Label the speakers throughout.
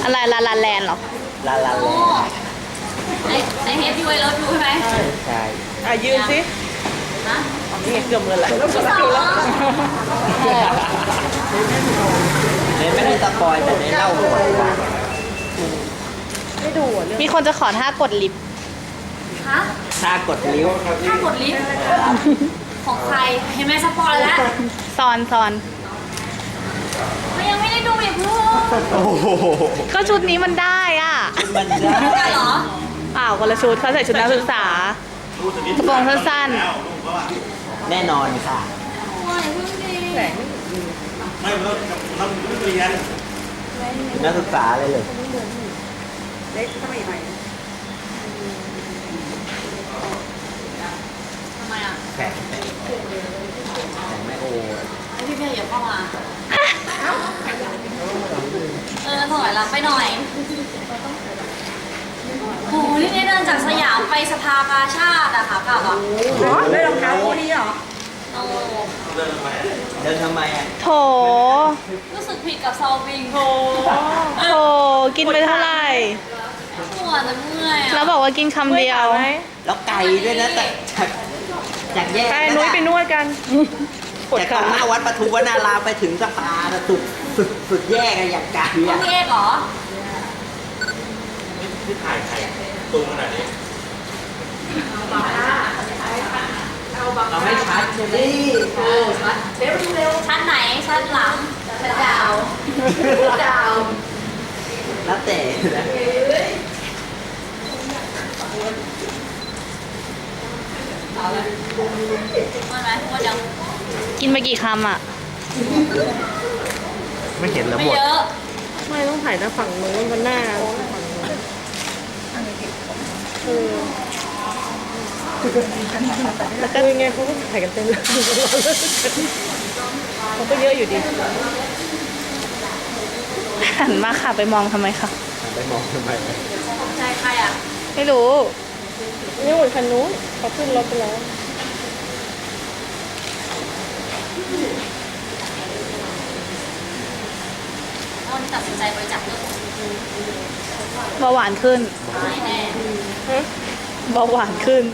Speaker 1: อะไรลาลาแลนด์เหรอ
Speaker 2: ลาลาแล
Speaker 3: โอ้
Speaker 2: นด์
Speaker 3: ในเฮปปี้ไวเลิฟยูใช่ไหม
Speaker 2: ใช่
Speaker 4: ยืนสิ
Speaker 3: ฮะ
Speaker 4: นี่เกือบเงินแหละ
Speaker 3: ที่สอง
Speaker 2: เนไม่ได้สปอยแต่เนเล่าหมดว่า
Speaker 4: ไม่ดูอ่ะเรื่อง
Speaker 1: มีคนจะขอท่ากดลิฟต์
Speaker 3: ฮะ
Speaker 2: ถ้ากดลิ้ว
Speaker 3: ถ้ากดลิฟต์ของใครเห็นไหมสปอยแล้ว
Speaker 1: ซอน
Speaker 3: มันยังไม่ได้ดูอย่าเพิ่ง
Speaker 2: โอ้โห
Speaker 1: ก็ชุดนี้มันได้อ่ะ
Speaker 2: มัน
Speaker 3: ได้เหรอ
Speaker 1: เปล่าคนละชุดเขาใส่ชุดนักศึกษา กระโปรงสั้น
Speaker 2: แน่นอนค่ะ
Speaker 3: โอ้ยเพิ่งดี
Speaker 4: แหลง
Speaker 2: นักศึกษาเลยเลย
Speaker 4: เล็กเข้ามาอีกหน่อย
Speaker 3: ทำไมอ่ะ
Speaker 2: แข่งแม่โอ
Speaker 3: ไอพี่เพียอย่าเข้ามาถอยหลังไปหน่อยโหนี่เดินจากสยามไปสภากาชาติอะค่ะกลับอะ
Speaker 4: ได้รองเท้าคู่นี้เหรอ
Speaker 3: โอ้
Speaker 2: เดินทำไมอ่ะ
Speaker 1: ๆ โถ
Speaker 3: รู้สึกผิดกับซอลวิงโ
Speaker 1: โถ กินไปเท่าไหร่
Speaker 3: ปวดแต่เมื่อยอะ
Speaker 1: แล้วบอกว่ากินคำเดียว
Speaker 2: แล้วไก่ด้วยนะแต่จากแยก
Speaker 4: ไปนุ้ยไปนวดกันปวด
Speaker 2: จาก
Speaker 4: ขา
Speaker 2: หน้าวัดปทุมวนารามไปถึงสภาสุดแยกอะอย่างไก่
Speaker 3: ต้อ
Speaker 2: อะ
Speaker 3: งมีเอกเหรอ
Speaker 2: เราไม่ชัดใช่ไหม
Speaker 3: ชั้นไหน ชั้นหลังชั้นดาว
Speaker 2: แล้วแต่นะ
Speaker 3: ว่าไหมว่ายัง
Speaker 1: กินไปกี่คำอ่ะ
Speaker 2: ไม่เห็นแล้ว
Speaker 3: ไม่
Speaker 2: หมด
Speaker 3: เยอะ
Speaker 4: ไม่ต้องถ่ายหน้าฝั่งนู้นมันหน้าแล้วก็ยังไงเขาก็ถ่ายกันเต็มเลยเขาก็เยอะอยู่ดี
Speaker 1: หันมาค่ะไปมองทำไมคะ
Speaker 2: ไปมองทำไม
Speaker 3: ใจใครอ่ะ
Speaker 1: ไม่รู้
Speaker 4: นี่หมดคันนู้นเขาขึ้นรถไปแล้ว
Speaker 3: ตอนตัดสินใจบริจาคเลือด
Speaker 1: เบาหวานขึ้น
Speaker 3: ไม่แน่
Speaker 1: เบาหวานขึ้น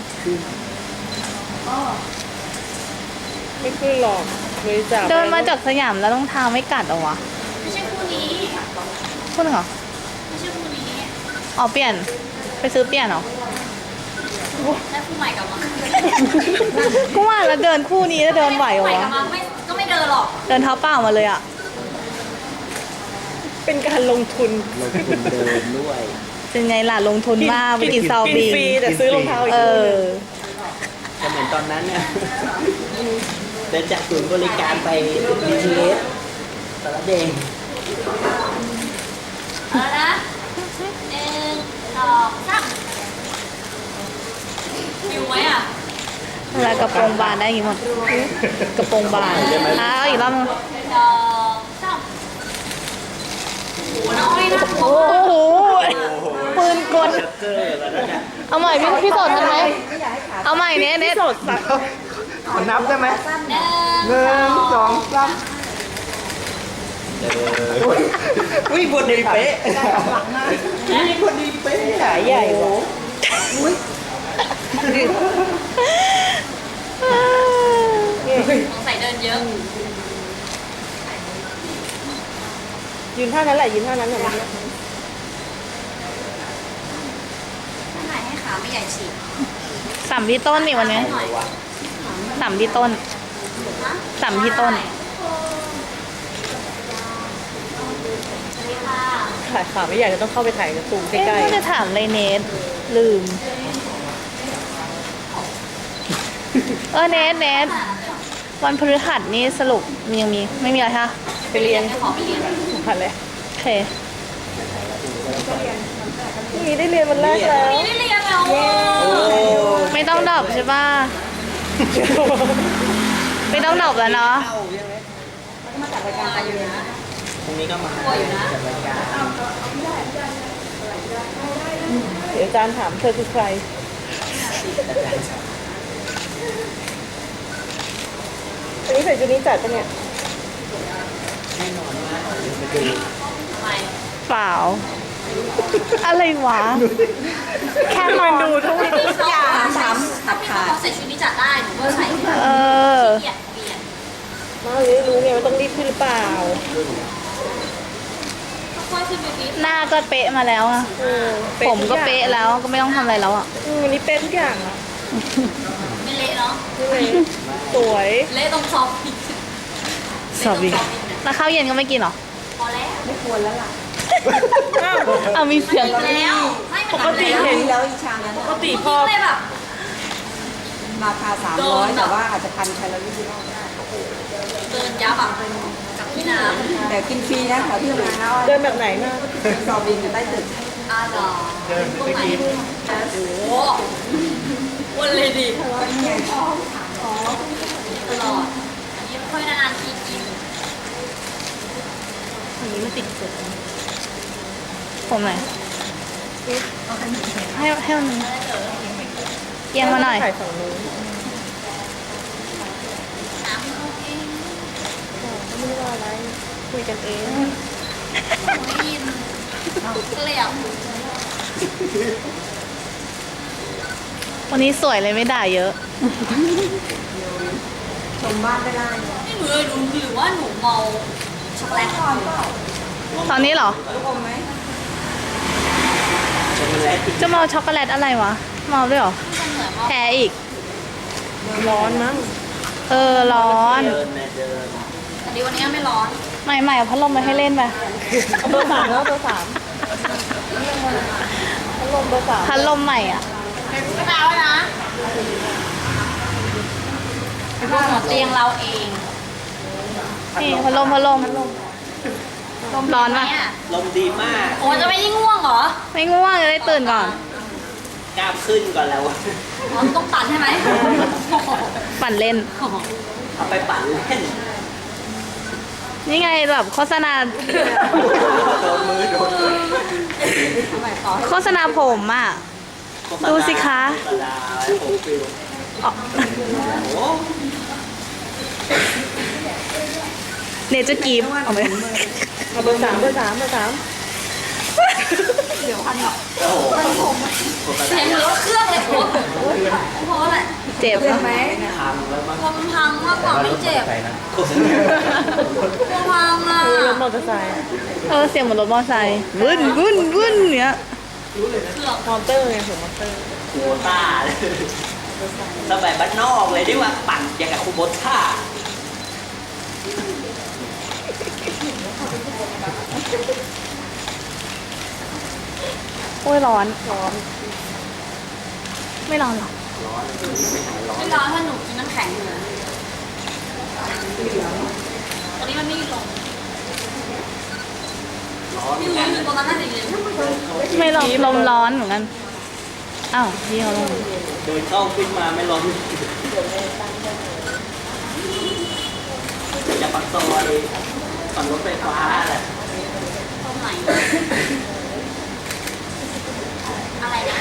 Speaker 4: ไม่ขึ้นหรอกบริจาค
Speaker 1: เดินมาจากสยามแล้วรองเท้าไม่กัดเหรอวะ
Speaker 3: ไม่ใช่คู่นี้
Speaker 1: พูดเหรอ
Speaker 3: ไม่ใช่คู่นี้
Speaker 1: อ๋อเปลี่ยน ไปซื้อเปลี่ยนเหรอ
Speaker 3: ได้คู่ใหม่กลับมา
Speaker 1: กูว่าแล้วเดินคู่นี้แล้วเดินไหวเหรอ
Speaker 3: คู่ใม่กลั
Speaker 1: วะ
Speaker 3: บมาก็ไม่เดินหรอก
Speaker 1: เดินเท้าเปล่ามาเลยอ่ะ
Speaker 4: เป็นการลงทุน
Speaker 2: ลงทุนเดินด้วย
Speaker 1: เป็นไงล่ะลงทุนมากไปกินซาว
Speaker 4: กิน
Speaker 1: บิง
Speaker 4: ฟรีแต่ซื้อรองเท้าอีก
Speaker 1: เอ
Speaker 4: คู่หนึ่ง
Speaker 1: อ
Speaker 2: ก็เหมือนตอนนั้นเนี่ยเดินจากศูนย์บริการไป BTS สารเดง
Speaker 3: เอาละนะหนึ่งสองสามฟิวไหมอ่ะ
Speaker 1: เวลากระโปรงบานได้อยังไงหมดกระโปรงบานเอาอีกรอบนึง
Speaker 3: สองสามโอ้โหน้อยนะ
Speaker 1: โอ้โหปืนกล
Speaker 2: เจอแล้วเนี่ย
Speaker 1: เอาใหม่พี่โสดทันไหมเอาใหม่เน็ต
Speaker 4: สดสัก
Speaker 2: ขอนับได้ไหม
Speaker 3: หนึ่ง
Speaker 2: สองสามอุ้ยบนดีเป๊ะนี่บนดีเป๊ะ
Speaker 4: ขายใหญ่วะ
Speaker 3: สงสัยเดินเยอะ
Speaker 4: ยืนท่านั้นแหละยืนท่านั้นแหละ
Speaker 3: ท่านไหนให้ขาไม่ใหญ่ฉีก
Speaker 1: สัมที่ต้นนี่วันนี้
Speaker 3: หน่อย
Speaker 1: สัมที่ต้น
Speaker 3: นะ
Speaker 1: สัมที่ต้น
Speaker 3: สวัสดีค่ะ
Speaker 4: ถ่ายขาไม่ใหญ่จะต้องเข้าไปถ่ายกระตูมใก
Speaker 1: เอ๊ะ
Speaker 4: ล้
Speaker 1: ไม่จะถามเลยเนทลืม เนทวันพฤหัสนี่สรุปมียังมีไม่มีอะไรคะ
Speaker 4: ๆไปเรียน
Speaker 3: ขอไปเรียน
Speaker 4: อะไร
Speaker 1: โอเค
Speaker 4: พรุ่งนี้ได้เรียนวันแรกแล้ว
Speaker 3: นี่ได้เรียนแล้ว
Speaker 1: ไม่ต้องดรอปใช่ป่ะ ไม่ต้องดรอปแล้วเนาะ
Speaker 2: เข้าใช่ไหม
Speaker 3: มาอยู่นะ
Speaker 2: พรุ่งนี้ก็มา
Speaker 3: กลัวอยู่นะ
Speaker 2: จัดรายการ
Speaker 4: เดี๋ยวอาจารย์ถามเธอคือใคร อันนี้ใส่ชุดนี้จัดปะเนี่ย
Speaker 2: แน่นอนมากเดี๋ยวไปดู
Speaker 3: ทำไม
Speaker 1: ทเปล่า อะไรวะ แค่มันดูทุก
Speaker 3: อย่างถามถ้ามีเขาใส่ชุดนี้จัดได้หนูก็ใส่
Speaker 1: เออ
Speaker 3: เปลี่ยนเปลี่ยน
Speaker 4: มาเลยรู้ไงว่าต้องรีบขึ้นหรือเปล่า
Speaker 3: ค่อยๆขึ้นไปนิด
Speaker 1: หน้าก็เป๊ะมาแล้วอะ
Speaker 4: เออ
Speaker 1: ผมก็เป๊ะแล้วก็ไม่ต้องทำอะไรแล้วอะ
Speaker 4: วันนี้เป๊ะทุกอย่างอะ
Speaker 3: ไม่เละเนาะ
Speaker 4: นี่เลยสวย
Speaker 3: เละตรงซอฟต์อีก
Speaker 1: สอบอีกแล้วข้าวเย็นก็ไม่กินเหรอ
Speaker 3: พอแล้ว
Speaker 4: อ้าว
Speaker 1: เอามีเสียง
Speaker 3: กินแล้วไม่
Speaker 4: ปกติเห็น
Speaker 5: แล้วอีชามนั้น
Speaker 4: ปกติพ
Speaker 3: พ
Speaker 4: อ
Speaker 3: อเลยแบบ
Speaker 5: ราคา300 แต่ว่าอาจจะ1,000 แคลอรี่ที่รอบได้
Speaker 3: เดินยับอ่ะกับพี่น้
Speaker 5: แต่กินฟรีนะขอที่ทำงานนะ
Speaker 4: เดินแบบไหนมา
Speaker 5: สอบบินอยู่ใต้ตึก
Speaker 3: ำอาดอตรงไหนโอ้โหวันเลยดิตลอด อันนี้ค่อยนานๆทีกิน
Speaker 1: อันนี้มันติดสุดผมไหนให้มันเอียงมาหน่อย
Speaker 4: ถ่ายฝั่งนู้น
Speaker 3: น้ำเขาเอง
Speaker 4: ไม่ได้ว่าอะไร คุยกันเอง
Speaker 3: ไม่ยินเกลียบ
Speaker 1: วันนี้สวยเลยไม่ด่าเยอะ
Speaker 5: ชมบ้านได้ไล่
Speaker 3: นี่หนูเลยดูหรือว่าหนูเมาช็อกโกแลต
Speaker 5: ก่อนเปล่า
Speaker 1: ตอนนี้เหรอ
Speaker 5: ลูกอมไหม
Speaker 2: ช็อกโกแลต
Speaker 1: จะมาเอาช็อกโกแลตอะไรวะมาเอาด้วยเหรอ
Speaker 3: มันเหมือนว่า
Speaker 1: แพ้อีก
Speaker 4: ร้อนมั้ง
Speaker 1: เออ ร้อน
Speaker 2: เดินนะเดิน
Speaker 3: แต่ดีวันนี้ไม่ร้อน
Speaker 1: ใหม่ๆเอาพัดลมมาให้เล่นไป
Speaker 4: เอาเบอร์3แล้วเบอร์3พัดลมเบอร์3
Speaker 1: พัดลมใหม่อ่ะ
Speaker 3: ก็แปลว่านะพวกหัวเตียงเราเอง
Speaker 1: นี่พัดลมร้อนปะ
Speaker 3: เนี่ย
Speaker 2: ลมดีมาก
Speaker 3: โอ้จะไม่ยิ่งง่วงเหรอ
Speaker 1: ไม่ง่วงจะได้ตื่นก่อน
Speaker 2: กล้ามขึ้นก่อนแล้ว
Speaker 3: อ๋อต้องปั่นใช่ไหม
Speaker 1: ปั่นเล่น
Speaker 2: เอาไปปั่นเล่น
Speaker 1: นี่ไงแบบโฆษณา
Speaker 2: โดนมือโดนมือ
Speaker 5: ทำไมต่อให้
Speaker 1: โฆษณาผมอ่ะ ดูสิคะ
Speaker 2: โฆษณาผมฟิล
Speaker 1: อ๋อ
Speaker 2: โอ้
Speaker 1: เนเจอร์กีฟเอาไหม
Speaker 4: เอาเบอร์3เบอร์3เบอร์3
Speaker 5: เดี๋ยวพันหรอก
Speaker 2: โหโฆษ
Speaker 3: เสียงเหมือนรถเครื่องเลยผมเพราะอะไร
Speaker 1: เจ็บ
Speaker 5: เจ็บ
Speaker 1: ปะ
Speaker 5: ไหม
Speaker 2: ณาพังแล้วมั้ง
Speaker 3: กลัวมันพังมากกว่าไม่เจ็บ
Speaker 2: โฆษณาก
Speaker 3: ลัวพังอ่ะ
Speaker 4: รถมอเตอร์ไซค์
Speaker 1: เออเสียงเหมือนรถมอเตอร์ไซค์วึ่นวึ่นวึ่นเนี้ย
Speaker 3: เครื่อง
Speaker 4: มอเตอร์ไงผมมอเตอร์
Speaker 2: คูโบต้าเลยสมัยบ้านนอกเลยที่ว่าปั่นอย่างกับคูโบต้า
Speaker 1: โอ้ยร้อน
Speaker 4: ร้อน
Speaker 1: ไม่ร้อนหรอ
Speaker 3: ไม่ร้อนถ้าหนูกินน้ำแข็งอยู่ตอนนี้มันไม่ลง
Speaker 2: ร้อน
Speaker 3: ที่รู้อยู่ตรงนั้นน่าจะเย็น
Speaker 1: ไม่ร้อนลมร้อนเหมือนกัน อ้าวพี่เขาลง
Speaker 2: เดินเข้าขึ้นมาไม่ร้อนจะปักซอยปั่นรถไฟฟ้าแหละ
Speaker 3: ตรงไหนอะไรนะ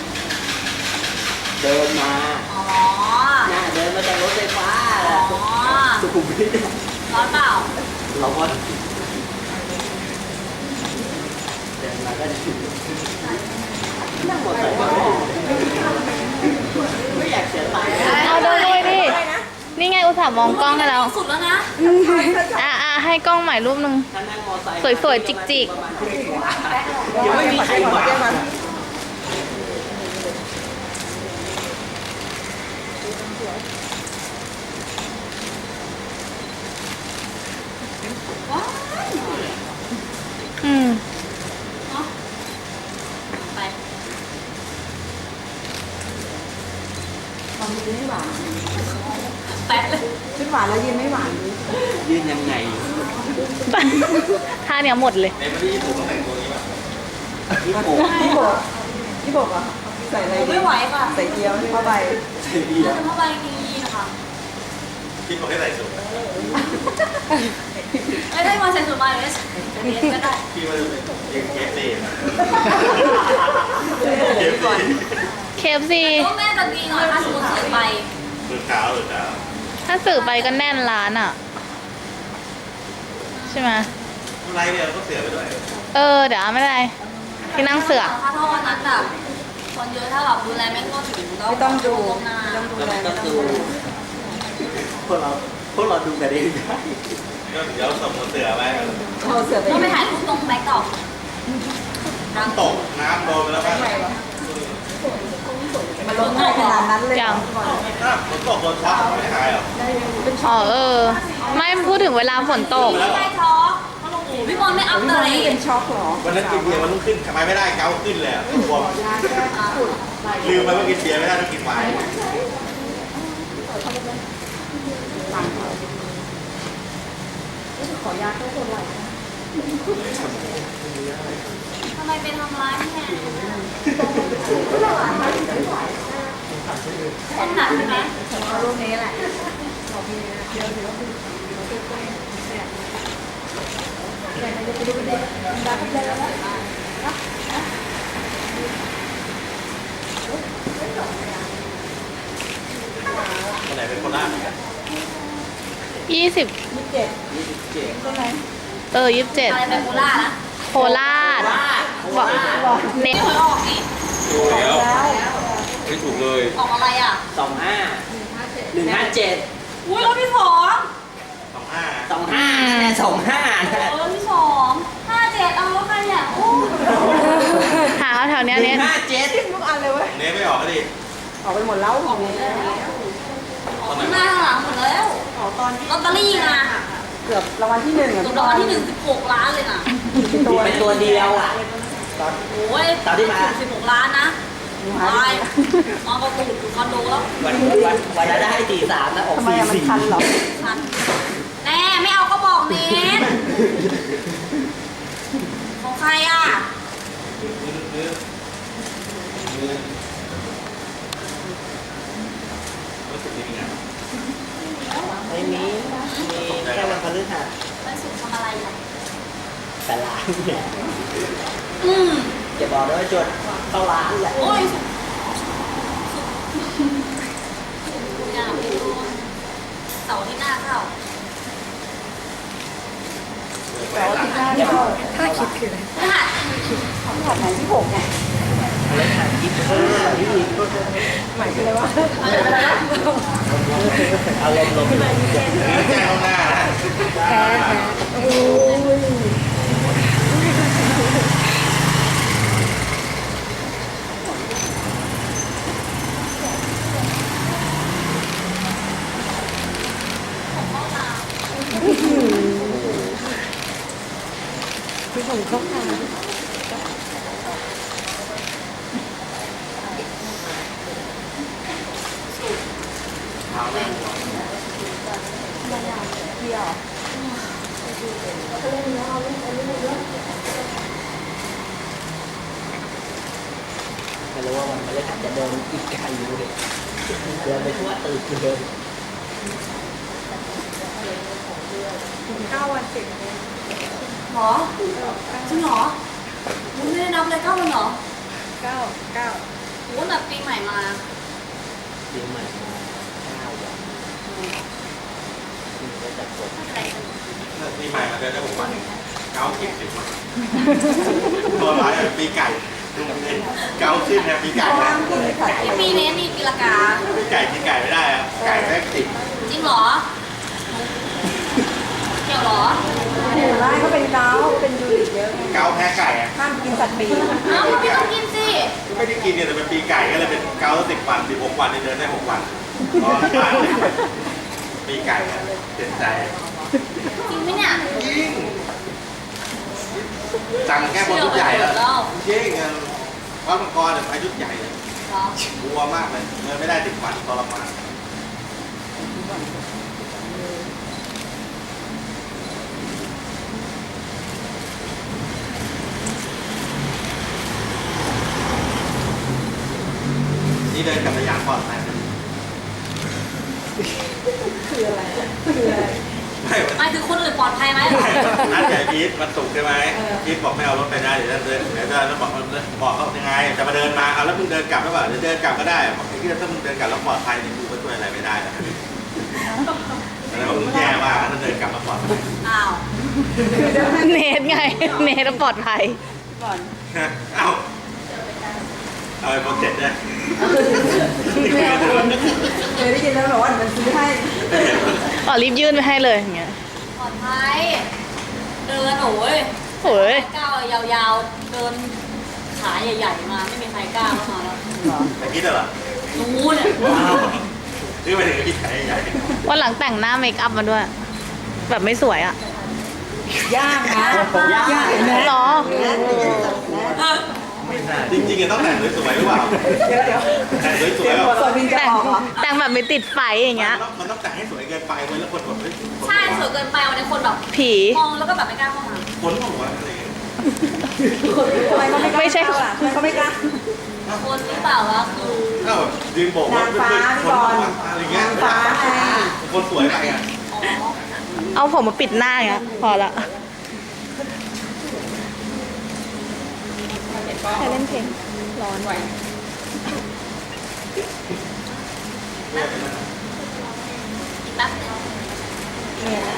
Speaker 2: เดินมา
Speaker 3: อ๋อ
Speaker 2: น่าเดินมาจากรถไฟฟ้าแห
Speaker 3: อ๋
Speaker 2: ละ
Speaker 3: อ
Speaker 2: สุขุมวิท
Speaker 3: ร้อนเปล่า
Speaker 2: เราก็เดินมาก็นั่งมอเตอร์ไซค์ไม่อยากเสียตังค์
Speaker 1: เอาเดินด้วยดิ นี่ไงอุตส่าห์มองกล้องให้แล้ว
Speaker 3: สุดแล้วนะ
Speaker 1: อ่ะให้กล้องใหม่รูปหนึง
Speaker 2: ถ้านั่งมอเตอร์ไซค์
Speaker 1: สวยๆจิกๆ
Speaker 2: ประมาณชั่วโมงกว่ายังไม่มีใครมา
Speaker 3: ว้าว
Speaker 1: อืม
Speaker 3: เนาะไป
Speaker 5: ความยืนไม่หวาน
Speaker 3: แปะเลย
Speaker 5: ชุดหวานแล้วยืนไม่หวานดิ
Speaker 2: ยืนยังไง
Speaker 1: ท่าเนี้ยหมดเลย
Speaker 2: ญี่ปุ่น
Speaker 5: พี่บอกพี่บอกเหรอ่ะใส่อะไรดี
Speaker 3: ไม่ไหวค่ะ
Speaker 5: ใส่เกี๊ยวผ้าใบ
Speaker 2: ใช่ดี
Speaker 3: แล้วจะมาไปดีนะคะ
Speaker 6: คิดว่าให้ใส่สูท
Speaker 3: ไม่ได้มาใส่สูทมาเลยเรียนก็ได้
Speaker 6: พี่ว่าจะเป็นยังเกสเซ่
Speaker 5: เดี๋ยวก่อน
Speaker 1: เคฟซี
Speaker 3: ก็แม่จะดีหน่อยถ้าสมมติสื่อไป
Speaker 6: มือเท้าหรือเท้า
Speaker 1: ถ้าสื่อไปก็แน่นร้านอ่ะ ใช่ไหม
Speaker 2: อ
Speaker 6: ไรเนี่ยเราก็เสือไปด้วย
Speaker 1: เดี๋ยวไม่เป็นไรที่นั่งเสือ
Speaker 3: ถ้าเท่าวันนั้นแบบคนเยอะถ้าแบบดูแลไม่ทั่วถึง
Speaker 5: ไม่ต้องดู
Speaker 3: ล่วงหน้า
Speaker 5: ไม่ต้องดู
Speaker 2: แล้ว
Speaker 5: แล
Speaker 2: มัน
Speaker 5: ไม่
Speaker 2: ก็
Speaker 5: ต้อง
Speaker 2: คือ
Speaker 5: ดู
Speaker 2: พวกเราดูกันเองได้
Speaker 6: ก็เดี๋ยวส่งเสือไป
Speaker 5: เอาเสือไป
Speaker 3: ต้องไปถ่ายรูปตรงแบ็คดอกรัง
Speaker 6: ตกน้ำโดนไปแล้วป่ะ
Speaker 5: มันลงง่ายขนาดนั้นเลย
Speaker 1: ยัง
Speaker 6: ถ้าฝนตกโดนช็อตไม่หายหรอ
Speaker 1: ไม่พูดถึงเวลาฝนตก
Speaker 3: ไม่ได้ช็อกพี่บอลไม่อัพ
Speaker 5: พี่
Speaker 3: เล
Speaker 5: บอล
Speaker 3: ย
Speaker 5: นี่เป็นช็อกเหรอ
Speaker 6: วันนั้นกินเบียร์มันต้องขึ้นทำไมไม่ได้เกาขึ้นเลยอ่ะบวมลืมไปว่ากินเบียร์ไม่ได้ต้องกินไวน์
Speaker 5: ขอยาเข้าคนไหว
Speaker 3: ทำไมไปทำร้ายแม่ต้องหนักใช่ไหม
Speaker 5: รูปนี้แหละ
Speaker 6: คนไหนเป็นคนล่า
Speaker 1: 20
Speaker 5: 27ใช่ไหม
Speaker 3: อะไร
Speaker 1: 27
Speaker 3: เป็นโคล่านะ
Speaker 1: โคราชบอกเน็ต
Speaker 3: ไม่เคยออกนี่
Speaker 6: ถูกแล้ว
Speaker 5: แล้ว
Speaker 6: ไม่ถูกเลย
Speaker 3: ออกอะไรอ่ะ
Speaker 2: 25 157
Speaker 3: อุ้ยรถที่สอง
Speaker 6: 25
Speaker 2: 25
Speaker 3: รถที่สอง57เอารถใครเนี่ยโอ้
Speaker 1: หาเอาแถวเนี้ยเน็ต
Speaker 2: 157
Speaker 5: ทุกอันเลยเว้ย
Speaker 6: เน้ไม่ออกก็ดิ
Speaker 5: ออกไปหมดแล้วของนี้
Speaker 3: ออกข้างหน้าข้างหลังหมดแล้ว
Speaker 5: ออกตอน
Speaker 3: ลอตเตอรี่นะ
Speaker 5: เกือบรางวัลที่1อ่ะ
Speaker 3: ถูกรางวัลที่1 16 ล้านเลยนะ
Speaker 2: เป็นตัวเดียวอ่ะตอน
Speaker 3: โอ้ย
Speaker 2: ตอนที่มา
Speaker 3: 16 ล้านนะตายนอนประตูอยู่คอนโดแล้ว
Speaker 2: วันนั้นได้43นะออก
Speaker 5: ทำไมอะมันคันเหรอ
Speaker 3: ทันแน่ไม่เอาก็บอกเนทของใครอ่ะ
Speaker 6: รู้สึกดีไง
Speaker 2: ไม่มีแค่วันพฤหัส
Speaker 3: ไปสุดทำอะไรอ่ะ
Speaker 2: แต่ร้านเนี่ย
Speaker 3: อืม
Speaker 2: จะบอกด้วยว่าจดเข้าร้านแหละ
Speaker 3: โอ้ยสุดอยากไปดูเสาร์ที่หน้าเข้า
Speaker 5: แต่ว่าที่หน้าเนี่ยถ้าคิดคือ
Speaker 3: พฤหัส
Speaker 5: ที่หัดไหนที่6ไง
Speaker 2: พฤหัส25นี่
Speaker 5: หมายคืออะไรวะ
Speaker 2: เอาลม
Speaker 6: แจ้งข้างหน้านะ
Speaker 5: โอ้ย คือผมเข้าทาง
Speaker 2: ไม่รู้ว่าวันพฤหัสจะเดินอีกไกลอยู่เลยเดินไปทั่วตึกเลย
Speaker 5: 9 วันติด
Speaker 3: หรอจริงเหรอมึงไม่ได้นับเลย9 วันเหรอ
Speaker 5: 9
Speaker 3: โอ้แบบปีใหม่มา
Speaker 2: ปีใหม่มา9 วันก็จะกด
Speaker 3: อะไรกัน
Speaker 6: ปีใหม่มาเดินได้6 วันเกา10 10 วันตัวร้ายปีไก่ดูมันเป็นเกาขึ้นนะปีไก่นะ
Speaker 3: ไอปีนี้นี่ปีละกา
Speaker 6: ปีไก่กินไก่ไม่ได้อะไก่แม่งติด
Speaker 3: จริงเหรอเกี่ยวเหรอ
Speaker 5: เห็นไหมเขาเป็นเกาเป็นยูริกเยอะไง
Speaker 6: เกาแพ้ไก่อะ
Speaker 5: ห้ามกินสัตว์ปีก
Speaker 3: อ้าวพี่ต้องกินสิ
Speaker 6: ไม่ได้กินเนี่ยแต่เป็นปีไก่ก็เลยเป็นเกา10 วัน16 วันเดินได้6 วันรอบ้านปีไก่เจ็บใจ
Speaker 3: จริงไหมเนี่ย
Speaker 6: ยิ่งสั่งแก้บนชุดใหญ่แล้วเย้เงินวัดมังกรเนี่ยไปชุดใหญ่เลย
Speaker 3: เหรอ
Speaker 6: กลัวมากเลยเดินไม่ได้10 วันทรมานนี่เดินกับสยามก่อนไหม
Speaker 5: คืออะไรคืออะไร
Speaker 6: ไม่
Speaker 3: หมายถึงคนอื่นปลอดภัยไหมเหรอ
Speaker 6: นัดใหญ่พีทวันศุกร์ใช่ไหมพีทบอกไม่เอารถไปนะเดี๋ยวเดินแล้วบอกเขายังไงจะมาเดินมาเอาแล้วมึงเดินกลับหรือเปล่าเดี๋ยวเดินกลับก็ได้บอกไอ้ที่ถ้ามึงเดินกลับแล้วปลอดภัยนี่กูก็ช่วยอะไรไม่ได้นะแล้วมึงแย่มากถ้าเดินกลับมาปลอดภัย
Speaker 3: อ้าว
Speaker 1: เนทไง เนทปลอดภัย
Speaker 5: ก่อน
Speaker 6: เอาเอาไอ้โปรเจกต์เนี่ย
Speaker 5: แม่คนเคยได้ยินแล้วบอกว่ามันซื้อให้
Speaker 1: อ๋อรีบยื่นไปให้เลยอย่างเงี้ย
Speaker 3: ปลอดภัยเดินโอ้ย
Speaker 1: โอ้ย
Speaker 3: ก้าวยาวๆ เดินขาใหญ่ๆมาไม่มีใครกล้าเข้ามาแล้ว
Speaker 6: ไอ้คิดเหรอ
Speaker 3: รู้เนี่ย
Speaker 6: นี่ไปถึงไอ้พี่ชายใหญ่
Speaker 1: วันหลังแต่งหน้าเมคอัพมาด้วย แบบไม่สวยอ่ะ
Speaker 5: ยากนะยากนะ
Speaker 1: หรอ
Speaker 6: จริงๆต้องแต่งสวยๆหรือเปล่า
Speaker 5: เดี๋ยว
Speaker 6: แต่งสวย
Speaker 5: เดี๋ยว
Speaker 6: ๆ
Speaker 5: สวินจะ
Speaker 1: แต่ง
Speaker 5: ออกเหรอ
Speaker 1: แต่งแบบไม่ติดไฟอย่างเงี้ย
Speaker 6: มันต้องแต่งให้สวยเกินไปเว้ยแล้วคนแบบเฮ้ย
Speaker 3: ใช่สวยเกินไปวันนี้คนแบบ
Speaker 1: ผี
Speaker 3: มองแล้วก็แบบไม่กล้าเข้ามา
Speaker 6: คนบอกว่าอะไรอย่างเงี้ย
Speaker 5: ทำไมเขาไม่กล้า
Speaker 1: ไม่ใช่
Speaker 5: เข้าล่ะทำไมเขาไม่กล้า
Speaker 3: คนหรือเปล่าวะคือ
Speaker 6: เอ้ายืนโบกรถ
Speaker 5: นางฟ้า
Speaker 6: คนอะไรเงี้ย
Speaker 5: นางฟ้าไง
Speaker 6: คนสวยไปอ่ะ
Speaker 3: อ๋อ
Speaker 1: เอาผมมาปิดหน้าอย่างเงี้ยพอละใครเล่นเพลงร้อน
Speaker 3: แป๊บนึง
Speaker 5: เนี่ยนะ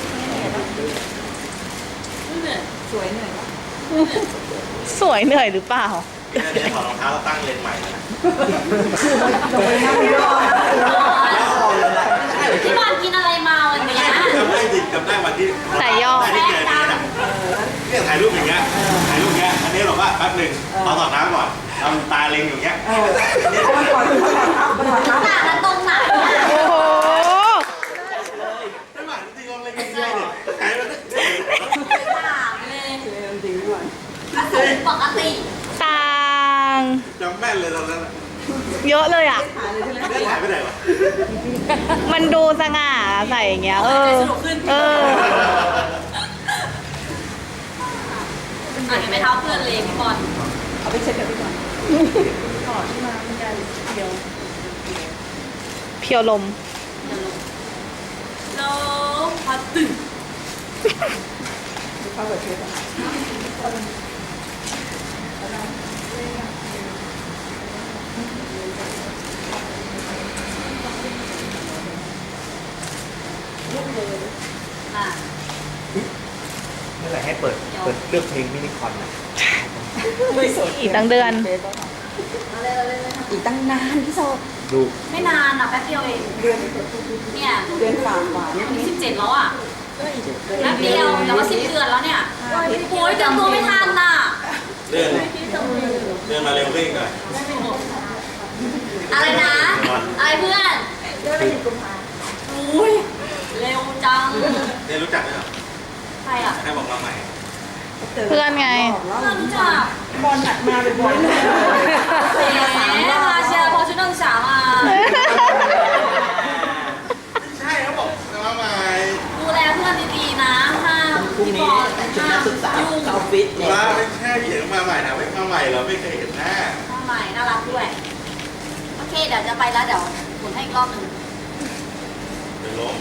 Speaker 3: เหนื่อย
Speaker 5: สวยเหนื่อย
Speaker 1: สวยเหนื่อยหรือเปล่า
Speaker 6: เนี่ยถอดรองเท้าแล้วตั้งเลนใหม่เลยนะ
Speaker 5: ลงไปนั่งยอด
Speaker 3: ที่บ้านกินอะไรมาวันเนี้ย
Speaker 6: จำได้ดิจำได้วันที่
Speaker 1: สายย่อ
Speaker 6: ได้ที่เจอเนี่ยถ่ายรูปอย่างเงี้ยถ่ายรูปเงี้ยอันนี้บอกว่าแป๊บหนึ่งเอาถอดน้ำก่อนเอาตาเล็งอยู่เงี้ย
Speaker 5: มันถอดเท้า
Speaker 3: ต่างกันตรงไหน
Speaker 1: โอ้โห
Speaker 6: ไม่หมายจริงๆลองเล็งเงี้ยเนี่ยถ่ายมัน
Speaker 3: ต่างเลย
Speaker 5: จริงด้วย
Speaker 3: ปกติ
Speaker 1: ต่าง
Speaker 6: จำแม่นเลยตอนนั้น
Speaker 1: เยอะเลยอ่ะ
Speaker 5: หาเลยใช่ไหม
Speaker 6: ได้ถ่ายไปไหนวะ
Speaker 1: มันดูสง่าใส่อย่างเงี้ย เออ เออ
Speaker 3: อ่ะเห็นไหมเท้าเพื่อนเลยพี่บอล
Speaker 5: เอาไปเช็ดเดี๋ยวไปก่อน
Speaker 1: เพียวลม
Speaker 3: แล้วพัดตึง
Speaker 5: เข้ากับเช็ดก่อน
Speaker 3: อ่ะ
Speaker 7: เมื่อไหร่ให้เปิดเลือกเพลงมินิคอนนะ
Speaker 5: ไม่สด
Speaker 1: อีกตั้งเดือน
Speaker 5: อีกตั้งนานพี่โซ
Speaker 7: ดู
Speaker 3: ไม่นานอ่ะแป๊บเดียวเอง
Speaker 5: เดือน
Speaker 3: เนี่ย
Speaker 5: เดือนฝ่าหวาน
Speaker 3: วันที่17แล้วอ่ะแป๊บเดียวแต่ว่า10 เดือนแล้วเนี่ยโอ้ยเตรียมตัวไม่ทันน่ะ
Speaker 6: เดินมาเร็วขึ้นหน่อย
Speaker 3: อะไรนะ อะไรเพื่อนอุ้ยเร็วจัง
Speaker 6: เนี่ยรู้จักไหมเหรอ
Speaker 3: ใครอ่ะ
Speaker 6: ให้บอกมาใหม่
Speaker 1: เพื่อนไง
Speaker 3: เพื่อนรู้จัก
Speaker 5: บอลหัดมาบ่อยๆ
Speaker 3: แหมมาเชียร์พอชุดนักศึกษามา
Speaker 6: ใช่เขาบอกมาใหม่
Speaker 3: ดูแลเพื่อนดีๆนะห้าม
Speaker 2: พรุ่ง
Speaker 3: พี่บ
Speaker 2: นี้
Speaker 3: อล
Speaker 2: ชุด
Speaker 3: ห้า
Speaker 2: นั
Speaker 3: ม
Speaker 2: กศึกษา
Speaker 3: ยุ่ง
Speaker 2: เข้าฟิตเนี่ย
Speaker 6: มาไม่ใช่พี่เห็นมาใหม่นะไม่มาใหม่เหรอไม่เคยเห็นหน้า
Speaker 3: ห้องใหม่น่ารักด้วย โอเคเดี๋ยวจะไปแล้วเดี๋ยวหมุนให้อีกรอบหนึ่ง
Speaker 6: เดี๋ยวล้ม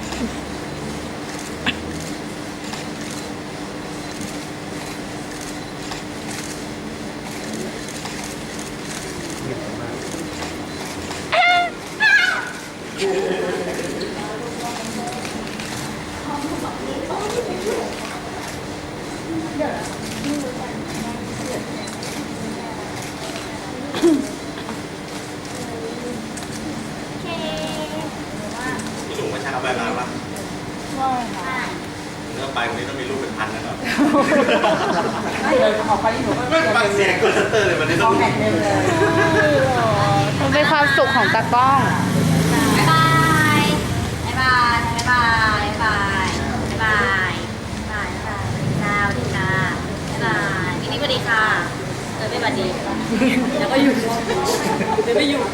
Speaker 3: โอเค
Speaker 6: พี่หนุ่มมาเช้าไปร้านปะ
Speaker 3: อ่ะ
Speaker 6: เมื่อไปวันนี้ต้องมีรูปเป็นพันนะครับ
Speaker 5: ไม่เลยออกไปนี่หนูก็
Speaker 6: ไม่ฟังเสียงกดชัตเตอร์เลยวันนี้
Speaker 5: ค
Speaker 6: ต้
Speaker 5: อ
Speaker 6: อง
Speaker 5: มแมทเต็มเลย
Speaker 1: มันเป็นความสุขของตากล้อง
Speaker 3: บ๊ายบายบ๊ายบายบ๊ายบายบ๊ายบายบ๊ายบายบ๊ายบายสวัสดีค่ะบ๊ายบายมินี่สวัสดีค่ะไม่สวัสดีแล้วก็อยู่เดี๋ยวไม่อยู่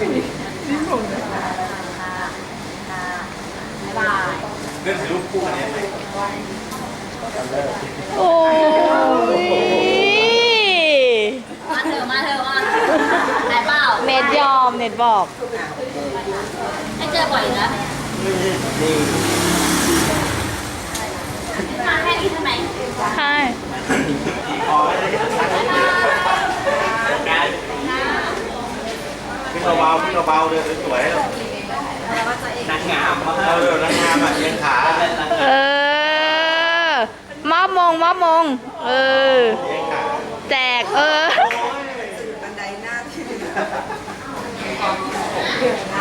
Speaker 3: ค่ะบ๊ายบาย
Speaker 6: เรื่องถ่ายรูปคู่กันไหม
Speaker 1: โอ้ย
Speaker 3: มาเถอะมาเถอะมาไหนเปล่า
Speaker 1: เน็ตยอม เน็ตบอก
Speaker 3: ให้เจอบ่อยนะมาแค่นี้ทำไม
Speaker 1: ใช่
Speaker 6: พี่เบาๆพี่เบาๆเดินสวยๆ
Speaker 2: นางงามมาก
Speaker 6: เออนางงามอ่ะเลี้ยงขา
Speaker 1: เออมอบมง เออ แจก
Speaker 5: บันไดหน้าที่